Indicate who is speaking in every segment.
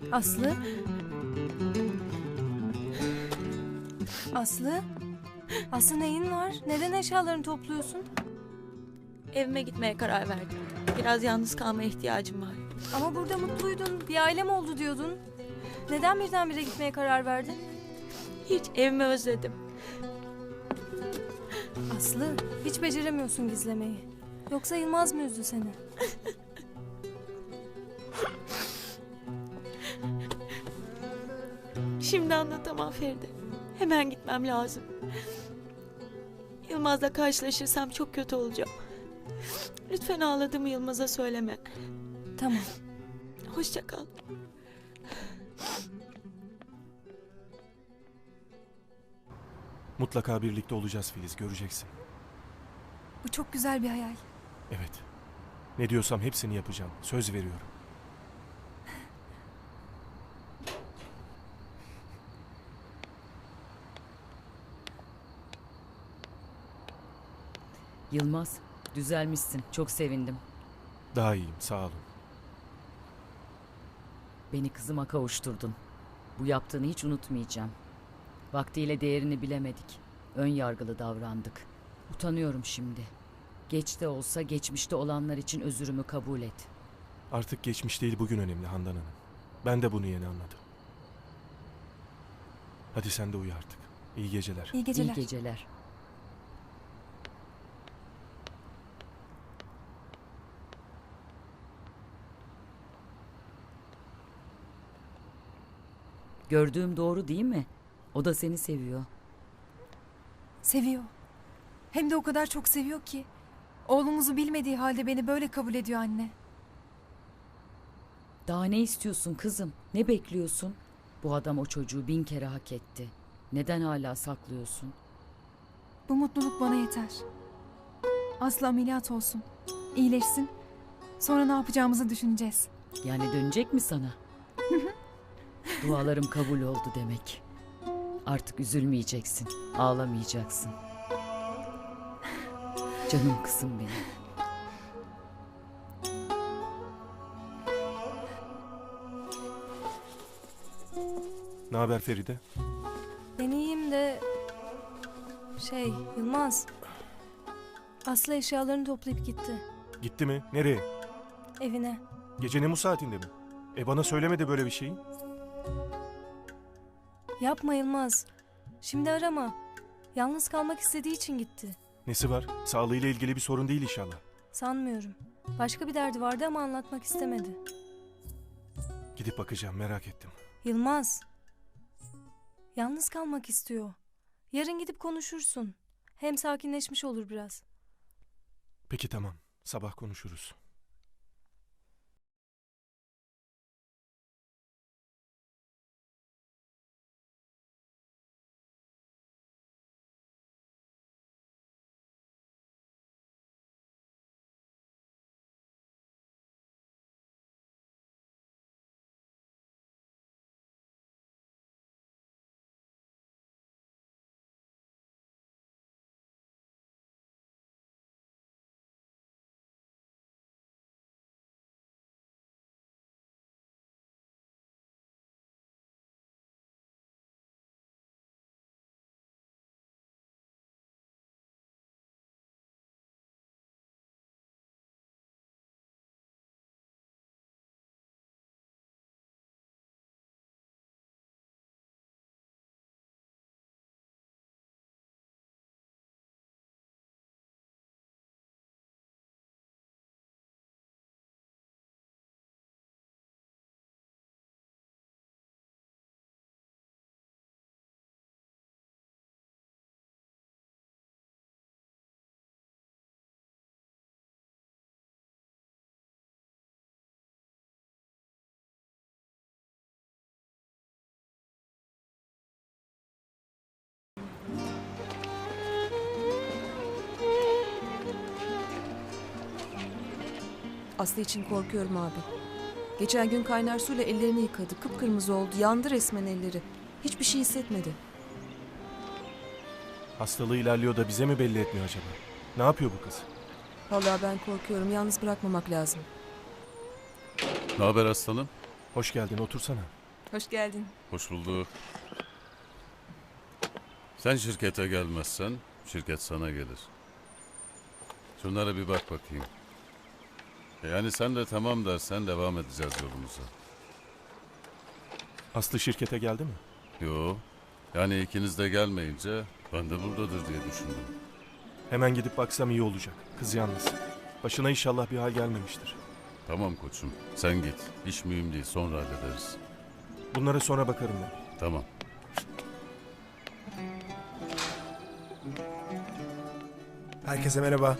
Speaker 1: Aslı? Aslı? Aslı neyin var? Neden eşyalarını topluyorsun?
Speaker 2: Evime gitmeye karar verdim. Biraz yalnız kalmaya ihtiyacım var.
Speaker 1: Ama burada mutluydun. Bir ailem oldu diyordun. Neden birdenbire gitmeye karar verdin?
Speaker 2: Hiç evimi özledim.
Speaker 1: Aslı, hiç beceremiyorsun gizlemeyi. Yoksa Yılmaz mı üzdü seni?
Speaker 2: Şimdi anlatamam Feride. Hemen gitmem lazım. Yılmaz'la karşılaşırsam çok kötü olacağım. Lütfen ağladığımı Yılmaz'a söyleme.
Speaker 1: Tamam.
Speaker 2: Hoşça kal.
Speaker 3: Mutlaka birlikte olacağız Filiz, göreceksin.
Speaker 1: Bu çok güzel bir hayal.
Speaker 3: Evet. Ne diyorsam hepsini yapacağım. Söz veriyorum.
Speaker 4: Yılmaz, düzelmişsin. Çok sevindim.
Speaker 3: Daha iyiyim, sağ olun.
Speaker 4: Beni kızıma kavuşturdun. Bu yaptığını hiç unutmayacağım. Vaktiyle değerini bilemedik. Ön yargılı davrandık. Utanıyorum şimdi. Geç de olsa geçmişte olanlar için özürümü kabul et.
Speaker 3: Artık geçmiş değil, bugün önemli Handan Hanım. Ben de bunu yeni anladım. Hadi sen de uyu artık. İyi geceler.
Speaker 1: İyi geceler.
Speaker 4: İyi geceler. Gördüğüm doğru değil mi? O da seni seviyor.
Speaker 1: Seviyor. Hem de o kadar çok seviyor ki. Oğlumuzu bilmediği halde beni böyle kabul ediyor anne.
Speaker 4: Daha ne istiyorsun kızım? Ne bekliyorsun? Bu adam o çocuğu 1000 kere hak etti. Neden hala saklıyorsun?
Speaker 1: Bu mutluluk bana yeter. Aslı ameliyat olsun. İyileşsin. Sonra ne yapacağımızı düşüneceğiz.
Speaker 4: Yani dönecek mi sana? Dualarım kabul oldu demek. Artık üzülmeyeceksin, ağlamayacaksın. Canım kızım benim.
Speaker 3: Ne haber Feride?
Speaker 1: Ben iyiyim de... Yılmaz. Aslı eşyalarını toplayıp gitti.
Speaker 3: Gitti mi? Nereye?
Speaker 1: Evine.
Speaker 3: Gecenin bu saatinde mi? Bana söylemedi böyle bir şeyi.
Speaker 1: Yapma Yılmaz. Şimdi arama. Yalnız kalmak istediği için gitti.
Speaker 3: Nesi var? Sağlığıyla ilgili bir sorun değil inşallah.
Speaker 1: Sanmıyorum. Başka bir derdi vardı ama anlatmak istemedi.
Speaker 3: Gidip bakacağım, merak ettim.
Speaker 1: Yılmaz. Yalnız kalmak istiyor. Yarın gidip konuşursun. Hem sakinleşmiş olur biraz.
Speaker 3: Peki tamam, sabah konuşuruz.
Speaker 5: Aslı için korkuyorum abi. Geçen gün kaynar suyla ellerini yıkadı. Kıpkırmızı oldu. Yandı resmen elleri. Hiçbir şey hissetmedi.
Speaker 3: Hastalığı ilerliyor da bize mi belli etmiyor acaba? Ne yapıyor bu kız?
Speaker 5: Vallahi ben korkuyorum. Yalnız bırakmamak lazım.
Speaker 6: Ne haber aslanım?
Speaker 3: Hoş geldin, otursana.
Speaker 1: Hoş geldin.
Speaker 6: Hoş bulduk. Sen şirkete gelmezsen şirket sana gelir. Şunlara bir bak bakayım. Yani sen de tamam dersen devam edeceğiz yolumuza.
Speaker 3: Aslı şirkete geldi mi?
Speaker 6: Yo. Yani ikiniz de gelmeyince ben de buradadır diye düşündüm.
Speaker 3: Hemen gidip baksam iyi olacak. Kız yalnız. Başına inşallah bir hal gelmemiştir.
Speaker 6: Tamam koçum. Sen git. İş mühim değil. Sonra hallederiz.
Speaker 3: Bunlara sonra bakarım ben.
Speaker 6: Tamam.
Speaker 7: Herkese merhaba.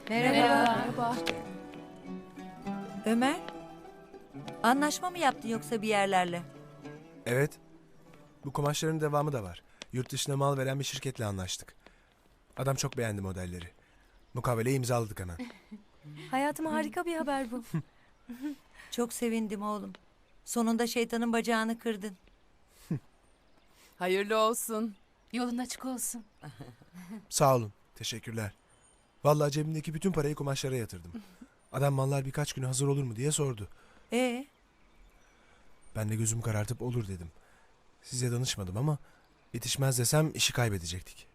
Speaker 8: Ömer, anlaşma mı yaptın yoksa bir yerlerle?
Speaker 7: Evet. Bu kumaşların devamı da var. Yurt dışına mal veren bir şirketle anlaştık. Adam çok beğendi modelleri. Mukaveleyi imzaladık hemen.
Speaker 1: Hayatıma harika bir haber bu.
Speaker 8: Çok sevindim oğlum. Sonunda şeytanın bacağını kırdın.
Speaker 9: Hayırlı olsun.
Speaker 1: Yolun açık olsun.
Speaker 7: Sağ olun. Teşekkürler. Vallahi cebimdeki bütün parayı kumaşlara yatırdım. Adam mallar birkaç güne hazır olur mu diye sordu. Ben de gözümü karartıp olur dedim. Size danışmadım ama yetişmez desem işi kaybedecektik.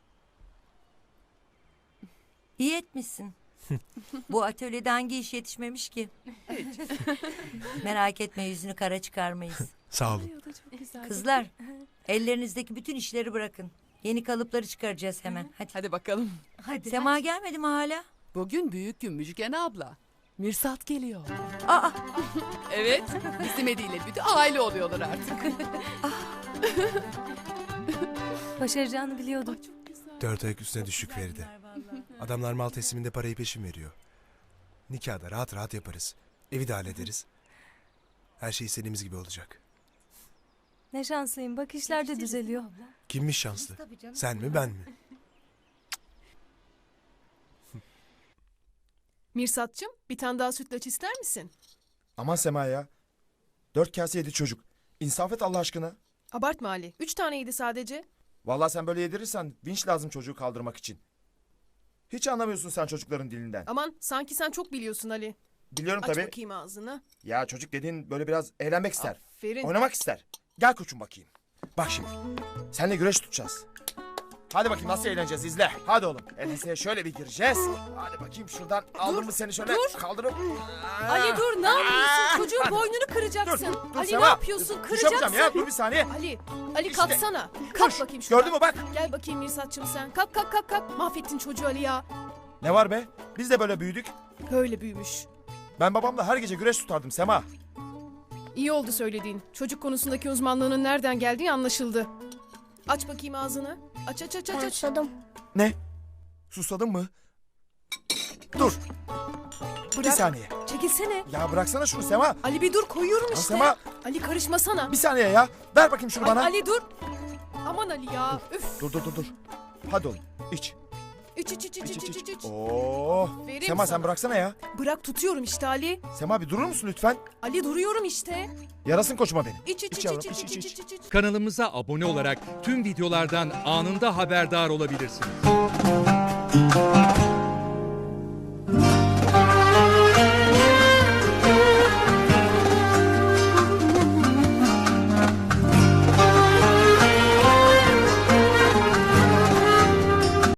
Speaker 8: İyi etmişsin. Bu atölyede hangi iş yetişmemiş ki? Merak etme, yüzünü kara çıkarmayız.
Speaker 7: Sağ olun.
Speaker 8: Kızlar, ellerinizdeki bütün işleri bırakın. Yeni kalıpları çıkaracağız hemen. Hadi.
Speaker 9: Hadi bakalım.
Speaker 8: Sema gelmedi mi hala?
Speaker 9: Bugün büyük gün Müjgan abla. Mirsat geliyor.
Speaker 8: Aa,
Speaker 9: Evet, bizim Edi'yle bütün aile oluyorlar artık.
Speaker 1: Başaracağını biliyordum.
Speaker 7: 4 ayak üstüne düşük Feride. Adamlar mal tesliminde parayı peşin veriyor. Nikahda rahat rahat yaparız. Evi de hallederiz. Her şey istediğimiz gibi olacak.
Speaker 1: Ne şanslıyım. Bak işler de düzeliyor.
Speaker 7: Kimmiş şanslı? Sen mi ben mi?
Speaker 10: Mirsatçım, bir tane daha sütlaç ister misin?
Speaker 11: Aman Sema ya. 4 kase yedi çocuk. İnsaf et Allah aşkına.
Speaker 10: Abartma Ali. 3 taneydi sadece.
Speaker 11: Vallahi sen böyle yedirirsen vinç lazım çocuğu kaldırmak için. Hiç anlamıyorsun sen çocukların dilinden.
Speaker 10: Aman sanki sen çok biliyorsun Ali.
Speaker 11: Biliyorum
Speaker 10: Aç
Speaker 11: tabii.
Speaker 10: bakayım ağzını.
Speaker 11: Ya çocuk dediğin böyle biraz eğlenmek ister.
Speaker 10: Aferin.
Speaker 11: Oynamak ister. Gel koçum bakayım. Bak şimdi. Seninle güreş tutacağız. Hadi bakayım nasıl eğleneceğiz izle. Hadi oğlum. Enseye şöyle bir gireceğiz. Hadi bakayım şuradan aldım mı seni şöyle kaldırıp.
Speaker 10: Ali dur, ne yapıyorsun? Çocuğun boynunu kıracaksın.
Speaker 11: Dur
Speaker 10: Ali
Speaker 11: Sema.
Speaker 10: ne yapıyorsun?
Speaker 11: Düş yapacağım
Speaker 10: Kıracaksın.
Speaker 11: ya dur bir saniye.
Speaker 10: Ali
Speaker 11: İşte.
Speaker 10: kalksana. Kalk bakayım şuradan.
Speaker 11: Gördün mü bak.
Speaker 10: Gel bakayım Mirsatçım sen. Kalk kalk kalk kalk. Mahvettin çocuğu Ali ya.
Speaker 11: Ne var be? Biz de böyle büyüdük.
Speaker 10: Böyle büyümüş.
Speaker 11: Ben babamla her gece güreş tutardım Sema.
Speaker 10: İyi oldu söylediğin. Çocuk konusundaki uzmanlığının nereden geldiği anlaşıldı. Aç bakayım ağzını. Aç aç aç aç. aç.
Speaker 11: Ne? Susadın mı? Dur. Bir
Speaker 10: Bırak.
Speaker 11: saniye.
Speaker 10: Çekilsene.
Speaker 11: Ya bıraksana şunu Sema.
Speaker 10: Ali bir dur, koyuyorum
Speaker 11: Ya
Speaker 10: işte.
Speaker 11: Sema.
Speaker 10: Ali karışmasana.
Speaker 11: Bir saniye ya. Ver bakayım şunu bana.
Speaker 10: Ali dur. Aman Ali ya. Üf.
Speaker 11: Dur. Hadi oğlum iç.
Speaker 10: İç iç iç iç iç iç iç.
Speaker 11: Oo.
Speaker 10: Verim
Speaker 11: Sema
Speaker 10: sana.
Speaker 11: sen bıraksana ya.
Speaker 10: Bırak tutuyorum işte Ali.
Speaker 11: Sema bir durur musun lütfen?
Speaker 10: Ali duruyorum işte.
Speaker 11: Yarasın koçuma benim.
Speaker 10: İç iç iç
Speaker 11: yavrum,
Speaker 10: iç iç
Speaker 11: iç,
Speaker 10: iç
Speaker 11: iç.
Speaker 10: iç iç.
Speaker 12: Kanalımıza abone olarak tüm videolardan anında haberdar olabilirsiniz.